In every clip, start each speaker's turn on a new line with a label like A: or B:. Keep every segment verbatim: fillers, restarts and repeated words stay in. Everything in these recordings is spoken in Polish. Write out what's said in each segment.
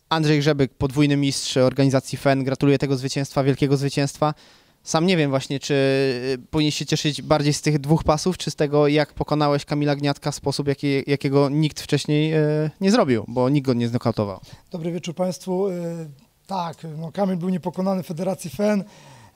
A: Andrzej Grzebyk, podwójny mistrz organizacji F E N, gratuluję tego zwycięstwa, wielkiego zwycięstwa. Sam nie wiem właśnie, czy powinien się cieszyć bardziej z tych dwóch pasów, czy z tego, jak pokonałeś Kamila Gniatka w sposób, jaki, jakiego nikt wcześniej e, nie zrobił, bo nikt go nie znokautował.
B: Dobry wieczór Państwu. E, tak, no Kamil był niepokonany w Federacji F E N.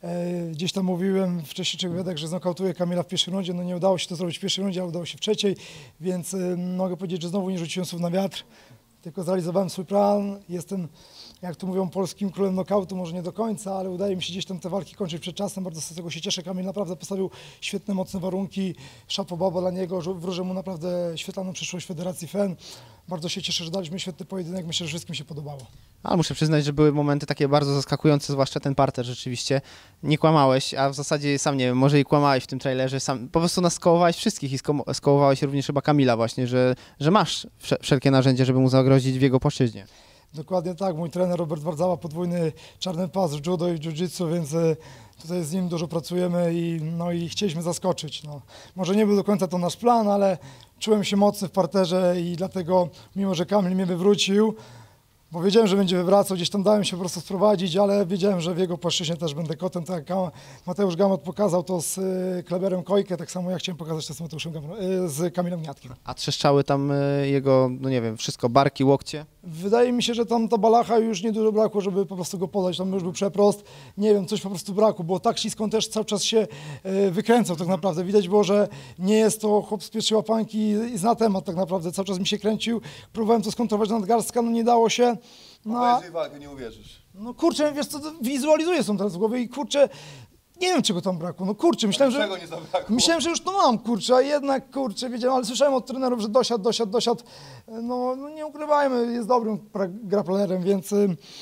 B: E, gdzieś tam mówiłem w wcześniejszych wywiadach, że znokautuje Kamila w pierwszej rundzie. No nie udało się to zrobić w pierwszej rundzie, ale udało się w trzeciej, więc e, mogę powiedzieć, że znowu nie rzuciłem słów na wiatr, tylko zrealizowałem swój plan. Jestem, jak tu mówią, polskim królem nokautu, może nie do końca, ale udaje mi się gdzieś tam te walki kończyć przed czasem. Bardzo z tego się cieszę. Kamil naprawdę postawił świetne, mocne warunki. Chapeau baba dla niego. Wróżę mu naprawdę świetlaną przyszłość Federacji F E N. Bardzo się cieszę, że daliśmy świetny pojedynek. Myślę, że wszystkim się podobało.
A: Ale muszę przyznać, że były momenty takie bardzo zaskakujące, zwłaszcza ten parter rzeczywiście. Nie kłamałeś, a w zasadzie sam nie wiem, może i kłamałeś w tym trailerze. Sam, po prostu nas skołowałeś wszystkich i sko skołowałeś również chyba Kamila właśnie, że, że masz wszelkie narzędzia, żeby mu zagrozić w jego płaszczyźnie.
B: Dokładnie tak. Mój trener Robert Wardzała, podwójny czarny pas w judo i w jiu-jitsu, więc tutaj z nim dużo pracujemy i, no, i chcieliśmy zaskoczyć. No. Może nie był do końca to nasz plan, ale czułem się mocny w parterze i dlatego, mimo że Kamil mnie wywrócił, bo wiedziałem, że będzie wywracał, gdzieś tam dałem się po prostu sprowadzić, ale wiedziałem, że w jego płaszczyźnie też będę kotem, tak jak Mateusz Gamot pokazał to z Kleberem Kojkę, tak samo ja chciałem pokazać to z Mateuszem Gamot, z Kamilem Gniatkiem.
A: A trzeszczały tam jego, no nie wiem, wszystko, barki, łokcie?
B: Wydaje mi się, że tam ta balacha już niedużo brakło, żeby po prostu go podać, tam już był przeprost, nie wiem, coś po prostu brakło, bo tak ślisko on też cały czas się wykręcał tak naprawdę, widać było, że nie jest to chłop z pierwszej łapanki i zna temat tak naprawdę, cały czas mi się kręcił, próbowałem to skontrować na nadgarstka, no nie dało się.
C: No, a jeżeli walkę nie uwierzysz.
B: No kurczę, wiesz co, wizualizuję są teraz w głowie i kurczę, nie wiem czego tam brakło, no kurczę, myślałem, że,
C: nie zabrakło?
B: myślałem, że już to mam, kurczę, a jednak kurczę, wiedziałem, ale słyszałem od trenerów, że dosiadł, dosiadł, dosiadł, no, no nie ukrywajmy, jest dobrym grapplerem, więc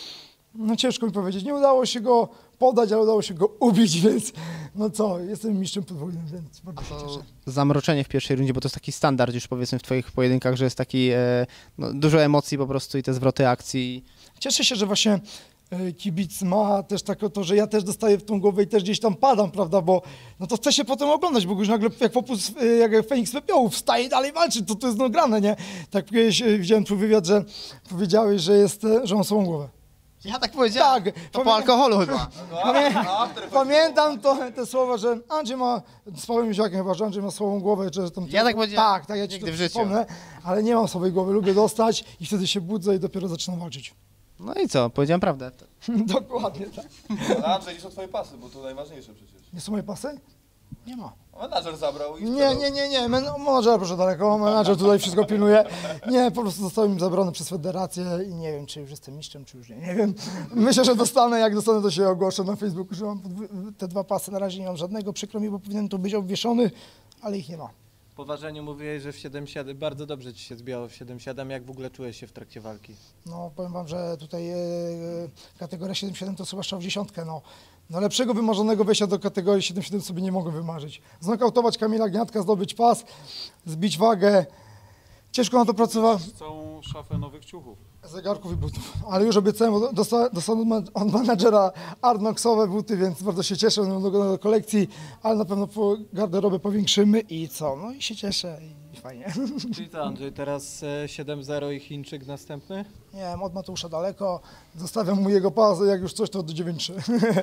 B: no ciężko mi powiedzieć, nie udało się go podać, ale udało się go ubić, więc no co, jestem mistrzem podwójnym, więc bardzo się cieszę.
A: Zamroczenie w pierwszej rundzie, bo to jest taki standard już powiedzmy w twoich pojedynkach, że jest taki e, no, dużo emocji po prostu i te zwroty akcji.
B: Cieszę się, że właśnie kibic ma też tak to, że ja też dostaję w tą głowę i też gdzieś tam padam, prawda, bo no to chce się potem oglądać, bo już nagle jak popus, jak Feniks Pepiołów wstaje i dalej walczy, to to jest no grane, nie? Tak kiedyś widziałem twój wywiad, że powiedziałeś, że jest, że on samą głowę.
A: Ja tak powiedziałem,
B: tak,
A: to po alkoholu chyba.
B: Pamię pamiętam to, te słowa, że Andrzej ma, z Pawłem Józiakiem chyba, że Andrzej ma słabą głowę, że tam...
A: Ja tak powiedziałem,
B: tak, tak, ja ci to
A: w życiu.
B: przypomnę, ale nie mam słabej głowy, lubię dostać i wtedy się budzę i dopiero zaczynam walczyć.
A: No i co, powiedziałem prawdę.
B: Dokładnie tak.
C: Ale Andrzej, gdzie są twoje pasy, bo to najważniejsze przecież.
B: Nie są moje pasy? Nie ma.
C: Menadżer zabrał i...
B: Nie, nie, nie, nie, Men menadżer proszę daleko, menadżer tutaj wszystko pilnuje. Nie, po prostu zostały mi zabrane przez federację i nie wiem, czy już jestem mistrzem, czy już nie, nie wiem. Myślę, że dostanę, jak dostanę, to się ogłoszę na Facebooku, że mam te dwa pasy, na razie nie mam żadnego, przykro mi, bo powinien tu być obwieszony, ale ich nie ma.
D: Po ważeniu mówiłeś, że w siedem siedem, bardzo dobrze ci się zbijało w siedem siedem, jak w ogóle czułeś się w trakcie walki?
B: No, powiem wam, że tutaj e, kategoria siedem siedem to chyba strzał w dziesiątkę, no. No lepszego wymarzonego wejścia do kategorii siedem siedem sobie nie mogłem wymarzyć. Znokautować Kamila Gniatka, zdobyć pas, zbić wagę. Ciężko na to pracować.
E: Całą szafę nowych ciuchów.
B: Zegarków i butów. Ale już obiecałem, bo dosta dostanę od menadżera Arnoxowe buty, więc bardzo się cieszę do, do, do kolekcji, ale na pewno po garderobę powiększymy i co? No i się cieszę i fajnie.
D: Czyli co, Andrzej, teraz siedem zero i Chińczyk następny?
B: Nie wiem, od Mateusza daleko, zostawiam mu jego pas, jak już coś to do dziewięć trzy.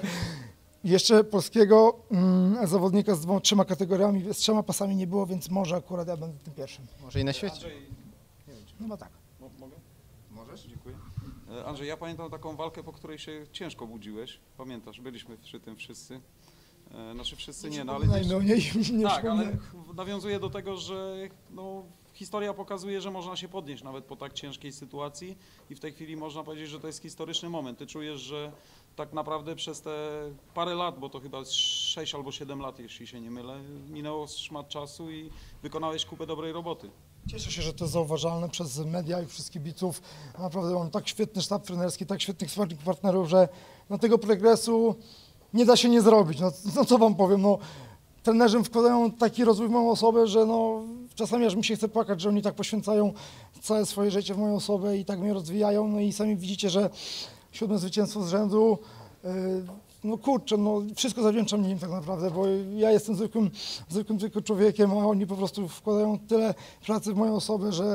B: Jeszcze polskiego mm, zawodnika z dwoma, trzema kategoriami, z trzema pasami nie było, więc może akurat ja będę tym pierwszym.
A: Może i na świecie.
E: Andrzej, nie wiem, czy...
B: No tak.
E: Mo mogę? Możesz? Dziękuję. E, Andrzej, ja pamiętam taką walkę, po której się ciężko budziłeś. Pamiętasz, byliśmy przy tym wszyscy. E, znaczy wszyscy nie, no ale
B: Nie,
E: gdzieś...
B: no, nie, nie
E: Tak, ale
B: przypomnę.
E: nawiązuje do tego, że no, historia pokazuje, że można się podnieść nawet po tak ciężkiej sytuacji i w tej chwili można powiedzieć, że to jest historyczny moment. Ty czujesz, że tak naprawdę przez te parę lat, bo to chyba sześć albo siedem lat, jeśli się nie mylę, minęło szmat czasu i wykonałeś kupę dobrej roboty.
B: Cieszę się, że to jest zauważalne przez media i wszystkich kibiców. Naprawdę mam tak świetny sztab trenerski, tak świetnych sparring partnerów, że no, tego progresu nie da się nie zrobić. No, no co wam powiem, no, trenerzy wkładają taki rozwój w moją osobę, że no, czasami aż mi się chce płakać, że oni tak poświęcają całe swoje życie w moją osobę i tak mnie rozwijają. No i sami widzicie, że siódme zwycięstwo z rzędu, yy, no kurczę, no wszystko zawdzięczam im tak naprawdę, bo ja jestem zwykłym, zwykłym tylko człowiekiem, a oni po prostu wkładają tyle pracy w moją osobę, że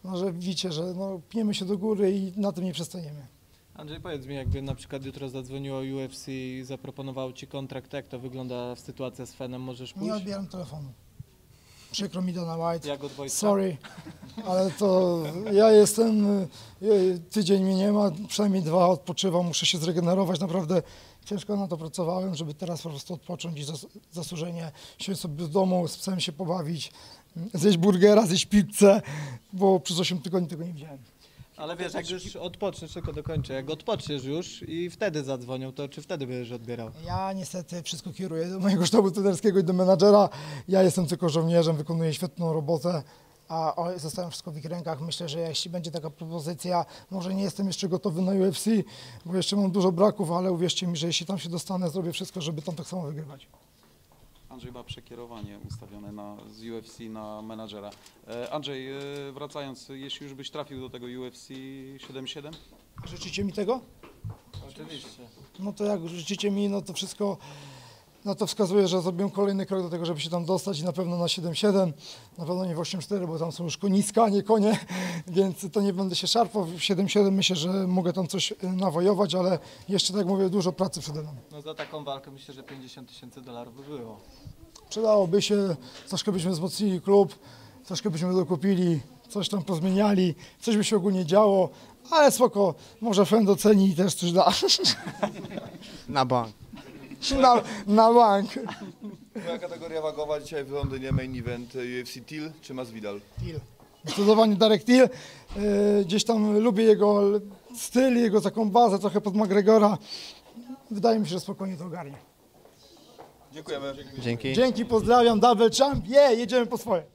B: no, że widzicie, że no, pniemy się do góry i na tym nie przestaniemy.
D: Andrzej, powiedz mi, jakby na przykład jutro zadzwoniło U F C i zaproponowało ci kontrakt, jak to wygląda sytuacja z Fenem, możesz pójść?
B: Nie odbieram telefonu. Przykro mi, Dana White.
D: Jak od Wojtka?
B: Sorry, ale to ja jestem, y, tydzień mnie nie ma, przynajmniej dwa odpoczywam, muszę się zregenerować, naprawdę ciężko na to pracowałem, żeby teraz po prostu odpocząć i zas zasłużenie siąść sobie w domu, z psem się pobawić, zjeść burgera, zjeść pizzę, bo przez osiem tygodni tego nie widziałem.
D: Ale wiesz, jak już odpoczniesz, tylko dokończę, jak odpoczniesz już i wtedy zadzwonią, to czy wtedy będziesz odbierał?
B: Ja niestety wszystko kieruję do mojego sztabu trenerskiego i do menadżera, ja jestem tylko żołnierzem, wykonuję świetną robotę, a o- zostawiam wszystko w ich rękach. Myślę, że jeśli będzie taka propozycja, może nie jestem jeszcze gotowy na U F C, bo jeszcze mam dużo braków, ale uwierzcie mi, że jeśli tam się dostanę, zrobię wszystko, żeby tam tak samo wygrywać.
E: Andrzej ma przekierowanie ustawione na, z U F C na menadżera. E, Andrzej, e, wracając, jeśli już byś trafił do tego U F C siedem siedem?
B: Życzycie mi tego?
D: Oczywiście.
B: No to jak życzycie mi, no to wszystko, no to wskazuje, że zrobiłem kolejny krok do tego, żeby się tam dostać i na pewno na siedem siedem, na pewno nie w osiem cztery, bo tam są już koniska, a nie konie, więc to nie będę się szarpał. W siedem siedem myślę, że mogę tam coś y, nawojować, ale jeszcze, tak jak mówię, dużo pracy przede mną.
D: No za taką walkę myślę, że pięćdziesiąt tysięcy dolarów by było.
B: Przydałoby się, troszkę byśmy wzmocnili klub, troszkę byśmy dokupili, coś tam pozmieniali, coś by się ogólnie działo, ale spoko, może Fen doceni i też coś da.
A: Na bank.
B: na, na bank.
C: Moja kategoria wagowa dzisiaj w Londynie, main event U F C Till czy Masvidal?
B: Till. Zdecydowanie Darek Till. Yy, gdzieś tam lubię jego styl, jego taką bazę trochę pod McGregora. Wydaje mi się, że spokojnie to ogarnie.
C: Dziękujemy.
A: Dzięki.
B: Dzięki, pozdrawiam, double champ, yeah, jedziemy po swoje.